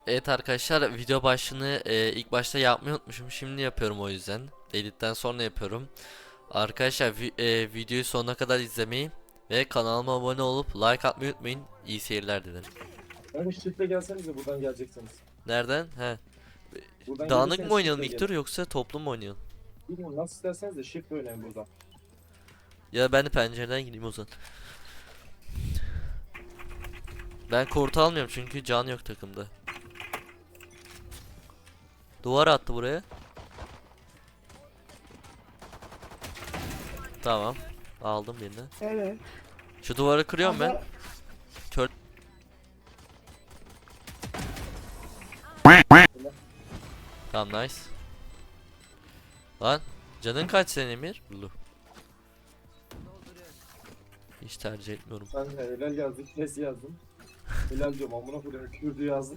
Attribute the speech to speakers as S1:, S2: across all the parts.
S1: Evet arkadaşlar, video başlığını ilk başta yapmayı unutmuşum. Şimdi yapıyorum, o yüzden. Editten sonra yapıyorum. Arkadaşlar videoyu sonuna kadar izlemeyi ve kanalıma abone olup like atmayı unutmayın. İyi seyirler dilerim.
S2: Yani shift'le gelsenize buradan geleceksiniz.
S1: Nereden? He.
S2: Buradan
S1: Dağınık mı
S2: gelirseniz
S1: oynayalım
S2: shift'le
S1: ilk tur,
S2: gelin.
S1: yoksa toplu mu oynayalım?
S2: Bilmiyorum nasıl isterseniz de shift oynayın buradan.
S1: Ya ben de pencereden gireyim o zaman. Ben kort almıyorum çünkü can yok takımda. Duvar attı buraya. Tamam. Aldım birini.
S3: Evet.
S1: Şu duvarı kırıyorum ben.
S3: Ama
S1: Kör. Tamam, nice. Lan canın kaç senin Emir? Lu. Hiç tercih etmiyorum.
S2: Ben de helal yazdım, kes yazdım. Helal diyorum amına koyayım kürdü yazdım.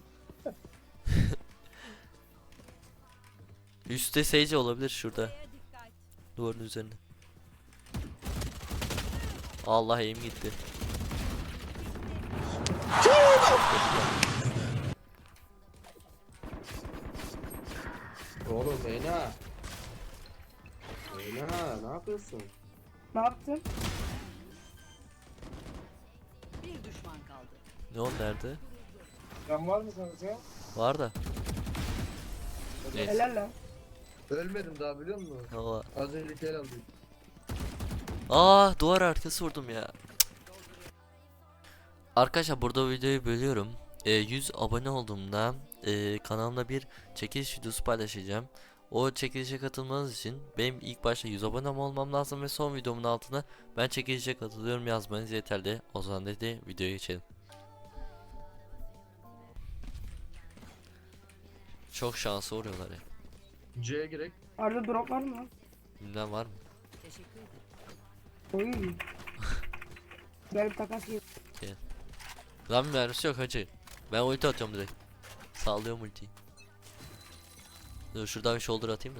S1: Üstte Sage olabilir şurada. Duvarın üzerinde. Allah, eğim gitti.
S4: Oğlum Reyna. Reyna ne yapıyorsun?
S3: ne yaptın?
S5: Bir düşman kaldı.
S1: Ne oldu, nerede?
S2: Can var mı kanka?
S1: Var da. Neyse.
S3: Helal lan.
S4: Ölmedim daha biliyor musun?
S1: Allah.
S4: Az önce kel aldım.
S1: Duvar arkası vurdum ya. Arkadaşlar burada videoyu bölüyorum. 100 abone olduğumda kanalımda bir çekiliş videosu paylaşacağım. O çekilişe katılmanız için benim ilk başta 100 abone olmam lazım ve son videomun altına ben çekilişe katılıyorum yazmanız yeterli. O zaman dedi videoya geçelim. Çok şansı vuruyorlar ya.
S4: C'ye girek.
S3: Arada drop var mı?
S1: Bilmem var mı?
S5: Teşekkür ederim.
S3: Oy. Gel bir takas yap.
S1: Lan mermisi yok hacı. Ben ulti atıyorum direkt. Sallıyorum ultiyi. Dur şuradan bir shoulder atayım da.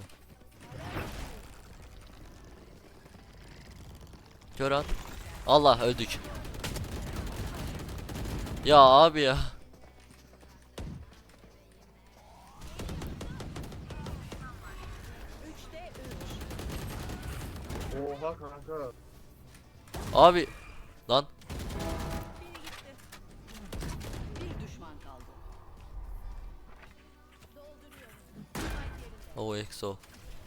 S1: Kör at. Allah, öldük. Ya abi ya.
S5: Üçte üç.
S4: Oha kanka.
S1: Abi. Lan.
S5: Bir düşman kaldı.
S1: O EXO.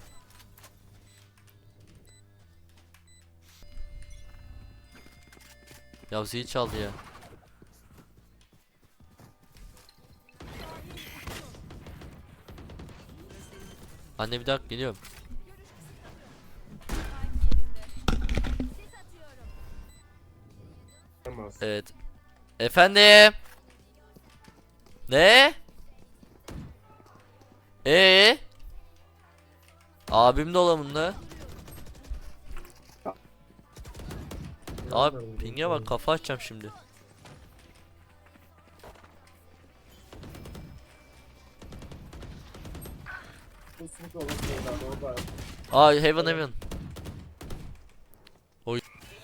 S1: Ya zil çaldı ya. Anne bir dakika, geliyorum.
S4: Tamam.
S1: Evet. Efendim. Ne? Abim dolabında. Abi pinge bak, kafa açacağım şimdi.
S2: Bu sınıf olan şeyler orada.
S1: Heaven heaven. Oy.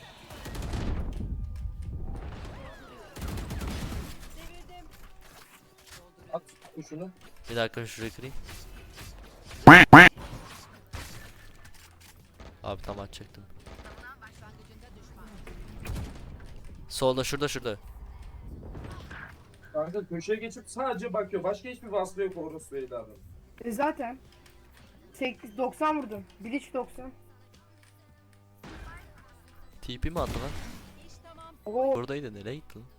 S2: At kuşunu.
S1: Bir dakika şurayı kırayım. Abi tam açacaktım. Solda, şurada.
S2: Kanka köşeye geçip sadece bakıyor. Başka hiçbir vasfı yok orası evladım.
S3: Zaten. 90 vurdum. Bleach 90.
S1: TP mi attı lan?
S3: Oo.
S1: Buradaydı, nereye gitti lan?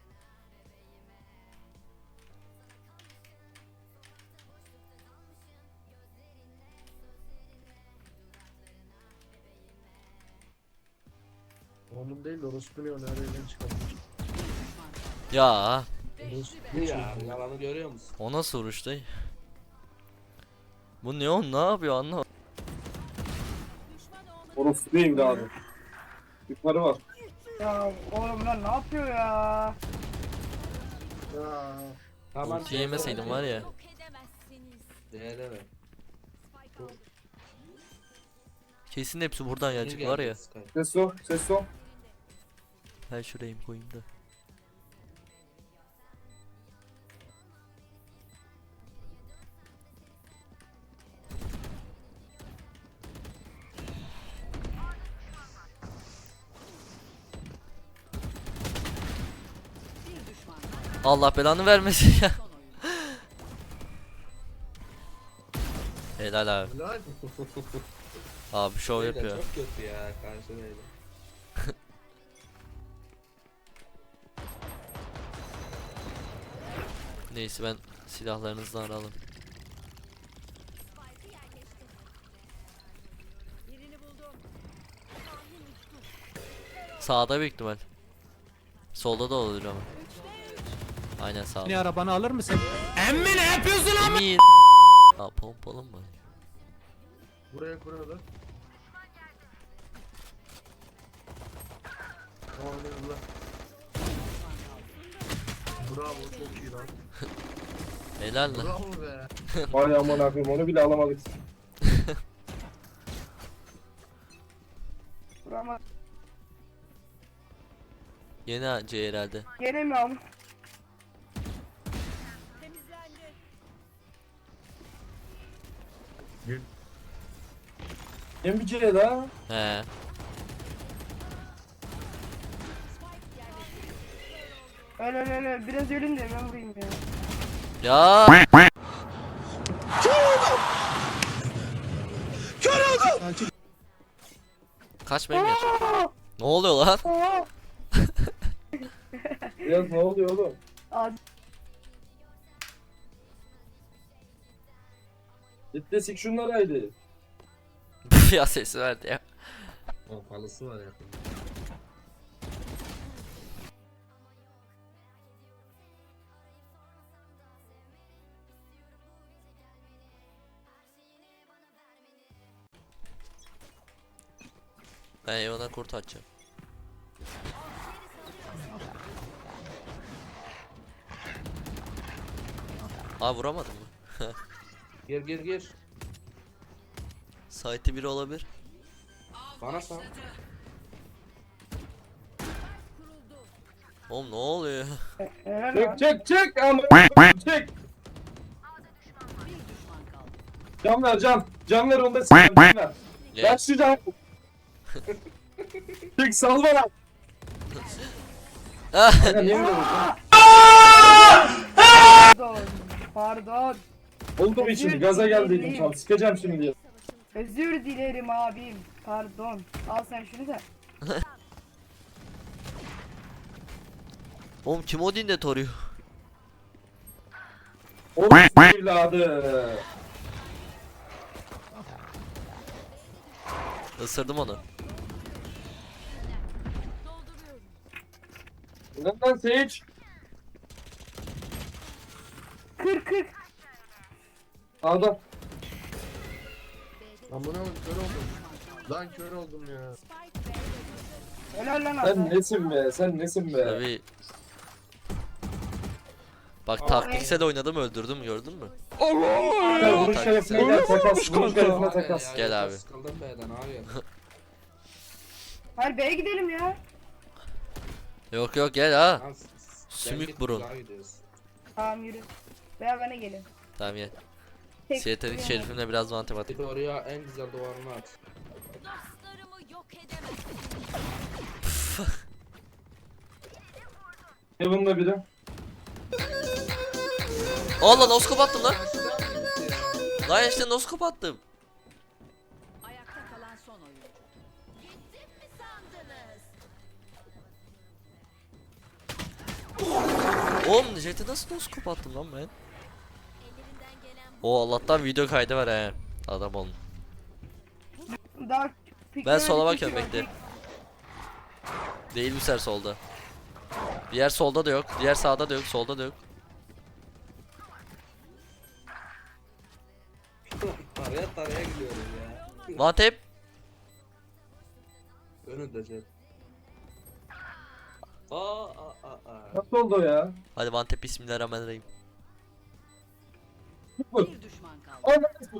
S4: Onun değil de orospu ne o nereden çıkarmış.
S1: Ya
S4: Orospu ya yalanı görüyor musun?
S1: o nasıl vuruştu? Bu Neon ne yapıyor, anlamadım.
S2: Orası evladım. Yukarı var.
S3: Ya oğlum lan ne yapıyor ya?
S4: Ya. Tamam.
S1: Ulti yemeseydim var ya.
S5: Yok edemezsiniz.
S4: Değerleme.
S1: Kesin hepsi buradan gelecek var ya.
S2: Ses o. Ses o.
S1: Ben şuraya koyayım da. Allah belanı vermesin ya.
S5: Son oyun.
S1: Helal abi.
S4: Helal.
S1: Abi şov
S4: Beyler
S1: yapıyor.
S4: çok kötü ya karşı beyler.
S1: Neyse ben silahlarınızdan aralım.
S5: Birini buldum.
S1: Sağda büyük ihtimal. Solda da olur ama. Aynen sağda.
S6: Ne arabanı alır mısın? Emmi ne yapıyorsun?
S1: Emin. Aa pompalı mı?
S4: Buraya kuruyorlar. Allah. Bravo çok iyi lan.
S1: Helal lan.
S4: Bravo be.
S2: Vay aman akım onu bile alamadık.
S3: Vurama.
S1: Yeni AC herhalde.
S3: Gene mi am?
S5: Temizlendi.
S2: Hem bir kere daha.
S1: He.
S3: Öyle biraz ölüm de ben vurayım ya.
S1: Ya. Kaçmayayım ya. Ne oluyor lan?
S3: Oo!
S2: Biraz ne oluyor oğlum?
S3: Abi
S2: Gitti sik şunları haydi.
S1: Ya sesi verdi ya.
S4: Pompalısı var yakında.
S1: Ben Evan'a kurt atacağım. Aa vuramadım mı?
S4: Gir gir gir.
S1: Site'i biri olabilir.
S4: Bana sal.
S1: Oğlum ne oluyor?
S3: helal lan.
S2: Çek ama çek.
S5: Bir düşman kaldı.
S2: Can ver can. Can ver onda s***. Can ver. Ver
S1: Gel.
S2: şu can. Çek sal bana. Kanka niye böyle vurdun?
S3: Pardon.
S2: Oldu mu şimdi? Gaza geldiydim tam. Sıkacağım şimdi diye.
S3: Özür dilerim abim. Pardon. Al sen şunu da.
S1: Oğlum kim Odin de toruyor?
S2: Oğlum evladı.
S1: Isırdım onu.
S2: Lan Sage.
S3: Kır.
S2: Sağda.
S4: Lan bu ne oldu? Kör oldum. Lan kör oldum ya.
S3: Helal lan
S2: Sen
S3: abi.
S2: nesin be? Sen nesin be?
S1: Tabii. Bak taktiksel oynadım öldürdüm gördün mü?
S2: Gel vuruş şerefine gel takas. Vuruş şerefine takas.
S1: Gel abi.
S4: Sıkıldım B'den abi.
S3: Hadi B'ye gidelim ya.
S1: Yok gel ha.
S4: Lan
S1: Sümük
S4: git,
S1: burun.
S4: güzel gidiyoruz.
S3: Tamam yürü. Veya bana gelin.
S1: Tamam gel.
S3: Tek-
S1: Siyetelik şerifimle biraz matematik.
S4: Git oraya en güzel duvarını at.
S5: Dostlarımı yok edemez.
S2: Heaven'da biri.
S1: Allah noskop attım lan. Lan işte noskop attım.
S5: Ayakta kalan son oyun. Gittim mi sandınız?
S1: Oğlum jete nasıl noskop attım lan ben? O Allah'tan video kaydı var he. Adam olun.
S3: Daha
S1: Ben sola
S3: fikirler
S1: bakıyorum
S3: düşüyor.
S1: bekle. Değil mi ser solda? Diğer solda da yok. Diğer sağda da yok. Solda da yok.
S4: Taraya gidiyorum ya.
S1: One tap.
S4: Önünde Jet. Aa.
S2: Nasıl oldu o ya?
S1: Hadi one tap bismillahirrahmanirrahim.
S5: Bir düşman kaldı.
S2: Anladın.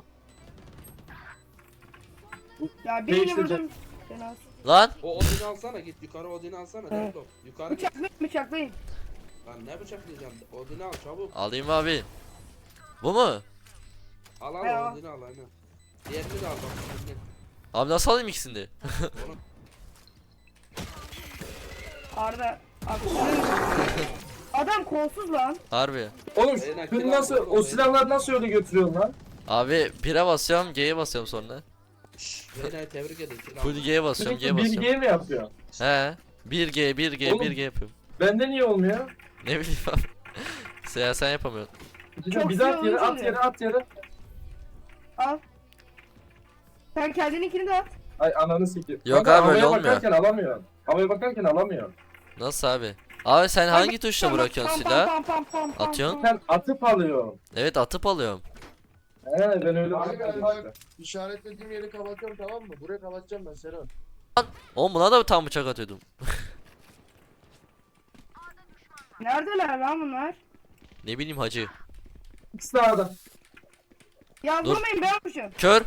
S3: Ya birini
S2: Değiştireceğim.
S3: vurdum. Sen al.
S1: Lan.
S4: O Odin'i alsana git yukarı Odin'i alsana.
S3: Evet.
S4: Laptop. Yukarı git.
S3: Bıçaklayın.
S4: Lan ne bıçaklayacağım? Odin'i al çabuk.
S1: Alayım abi. Bu mu?
S4: Al
S3: Ya.
S4: Odin'i al aynen. Diğerini de al bak. Odin'i.
S1: Abi nasıl alayım ikisini de?
S4: Onu
S3: Arda. Abi. Adam kolsuz lan.
S1: Harbi.
S2: Oğlum
S4: Beyler,
S2: şunu
S4: kill
S2: nasıl
S4: aldım,
S2: o silahları nasıl öyle götürüyorsun lan?
S1: Abi 1'e basıyorum, G'ye basıyorum sonra.
S4: Reyna'yı tebrik ederim.
S1: Full G'ye basıyorum, G'ye
S2: Sürekli
S1: basıyorum.
S2: 1G mi yapıyor?
S1: He. 1G, 1G,
S2: Oğlum.
S1: 1G yapıyorum.
S2: Bende niye olmuyor?
S1: Ne bileyim abi. Sen yapamıyorsun.
S3: Çok
S2: Bir daha at
S3: sinirli
S2: yere, at
S3: oluyor.
S2: yere, at yere.
S3: Al. Sen kendininkini de at.
S2: Ay ananı sikeyim.
S1: Yok
S2: Kanka,
S1: abi, öyle
S2: havaya
S1: olmuyor.
S2: bakarken alamıyor. Havaya bakarken alamıyor.
S1: Nasıl abi? Abi sen hangi tuşla bırakıyorsun silahı? Atıyorsun?
S2: Sen atıp alıyorsun.
S1: Evet, atıp alıyorum.
S2: He ben öyle
S7: Abi,
S2: bırakıyorum
S7: abi,
S2: işte.
S7: İşaretlediğim yeri kapatıyorum, tamam mı? Buraya kapatacağım ben Serhan.
S1: Oğlum buna da tam bıçak atıyordum.
S3: Neredeler lan bunlar?
S1: Ne bileyim hacı.
S2: İkisi de A'da.
S3: Ya
S1: Dur.
S3: vurmayın ben yapmışım.
S1: Kör.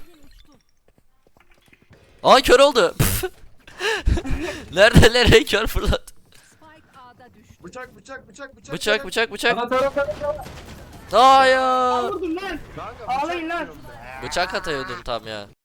S1: Aa, kör oldu. Nerede kör fırlat.
S5: Spike A'da düştü.
S7: Bıçak, bıçak, bıçak, bıçak.
S1: Bıçak bıçak bıçak.
S2: Ana taraf.
S1: Hayır.
S3: Vurdum lan.
S7: Kanka,
S3: Ağlayın lan.
S7: diyorum be.
S1: Bıçak atıyordum tam ya.